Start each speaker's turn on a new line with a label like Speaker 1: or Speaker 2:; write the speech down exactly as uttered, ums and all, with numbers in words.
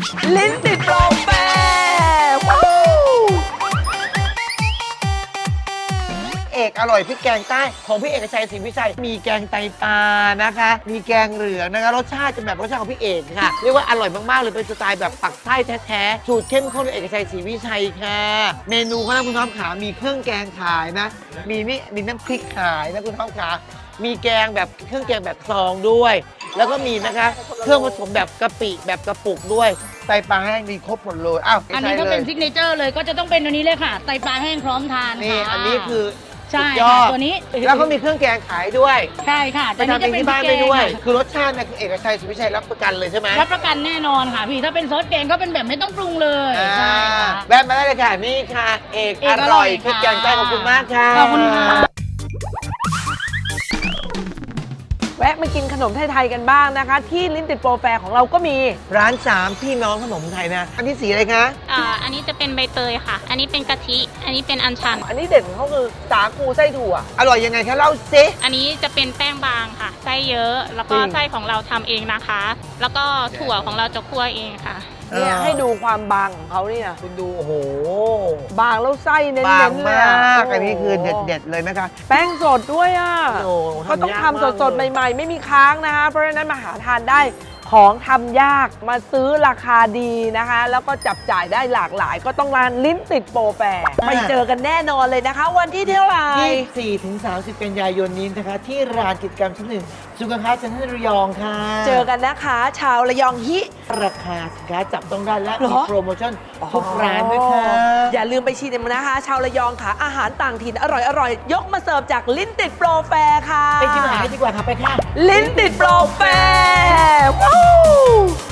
Speaker 1: ลิ้นติดโปรแฟร์
Speaker 2: เอกอร่อยพริกแกงใต้ของพี่เอกชัยศรีวิชัยมีแกงไตปลานะคะ มีแกงเหลืองนะคะรสชาติจะแบบรสชาติของพี่เอกค่ะเรียกว่าอร่อยมากๆเลยเป็นสไตล์แบบปักใต้แท้ๆสูตรเข้มข้นของเอกชัยศรีวิชัยค่ะเมนูเขานะคุณท็อปขามีเครื่องแกงขายนะ มีนี่มีน้ำพริกขายนะคุณท็อปขามีแกงแบบเครื่องแกงแบบซองด้วย แล้วก็มีนะคะเครื่องผสมแบบกะปิแบบกระปุกด้วยไตปลาแห้งมีครบหมดเลยอ้าว
Speaker 3: อันนี้ก็เป็นซิกเนเจอร์เลยก็จะต้องเป็นอันนี้เลยค่ะไตปลาแห้งพร้อมทาน
Speaker 2: นี่
Speaker 3: ค่ะ
Speaker 2: อันนี้คือ
Speaker 3: ใช่
Speaker 2: สุดยอ
Speaker 3: ค่ะ
Speaker 2: ด
Speaker 3: ตัวนี้
Speaker 2: แล้วก็มีเครื่องแกงขายด้วย
Speaker 3: ใช่ค่ะ
Speaker 2: ไปทำเองที่บ้านได้ด้วย คือรสชาติเนี่ยคือเอกชัยสุวิชัยรับประกันเลยใช่ไหม
Speaker 3: รับประกันแน่นอนค่ะพี่ถ้าเป็นซอสแกงก็เป็นแบบไม่ต้องปรุงเลย
Speaker 2: อ่า
Speaker 3: ใช่ค่ะ
Speaker 2: แวะมาได้เลยค่ะนี่ค่ะ เอก
Speaker 3: เอก
Speaker 2: อ
Speaker 3: อร่
Speaker 2: ร่อ
Speaker 3: อย ย
Speaker 2: พริกแกงใต้
Speaker 3: ค่ะ
Speaker 2: ขอบคุณมากค่ะ
Speaker 3: ขอบคุณค่ะ
Speaker 1: แวะมากินขนมไทยๆกันบ้างนะคะ ที่ลิ้นติดโปรแฟร์ของเราก็มี
Speaker 2: ร้านสามพี่น้องขนมไทยนะ อันที่สีอะไรคะ
Speaker 4: อ่าอันนี้จะเป็นใบเตยค่ะ อันนี้เป็นกะทิ อันนี้เป็นอัญชัน
Speaker 1: อันนี้เด่นของเขาคือสาคูไส้ถั่ว
Speaker 2: อร่อยยังไงคะเล่าซิ
Speaker 4: อันนี้จะเป็นแป้งบางค่ะ ไส้เยอะ แล้วก็
Speaker 2: จริง
Speaker 4: ไส้ของเราทำเองนะคะ แล้วก็ถั่วของเราจะคั่วเองค่ะ
Speaker 1: เนี่ยให้ดูความบางของเขาเนี่ย
Speaker 2: คุณดูโอ้โห
Speaker 1: บางแล้วไส้เน้
Speaker 2: บาง
Speaker 1: นๆเลย
Speaker 2: มา
Speaker 1: อะ
Speaker 2: ก อันนี้คือเด็ดๆเลยนะคะ
Speaker 1: แป้งสดด้วยอ่ะ
Speaker 2: โอ้
Speaker 1: ก็ต้อง
Speaker 2: ยาก
Speaker 1: ทำสดๆ
Speaker 2: มากเลย
Speaker 1: ใหม่ๆ ไม่มีค้างนะคะ เพราะฉะนั้นมาหาทานได้ของทำยากมาซื้อราคาดีนะคะ แล้วก็จับจ่ายได้หลากหลาย ก็ต้องร้านลิ้นติดโปรแฟร์ไปเจอกันแน่นอนเลยนะคะ วันที่เท่าไหร่
Speaker 2: ยี่สิบสี่ถึงสามสิบกันยายนนี้นะคะ ที่ร้านกิจกรรมชั้นหนึ่งสุขภาพชั้นระยองค่ะ
Speaker 1: เจอกันนะคะ ชาวระยองฮิ
Speaker 2: ราคาสินค้าจับต้องได้และ
Speaker 1: เหร
Speaker 2: มี
Speaker 1: อ
Speaker 2: โปรโมชั่นทุกร้านด้วยค่ะ
Speaker 1: อย่าลืมไปชิมนะคะ ชาวระยองค่ะ อาหารต่างถิ่นอร่อยๆ ยกมาเสิร์ฟจากลิ้นติดโปรแฟร์ค่ะ
Speaker 2: ไปชิมอาหารกันดีกว่าค่ะไปค่ะ
Speaker 1: ลิ้นติดโปรแฟร์ว้าว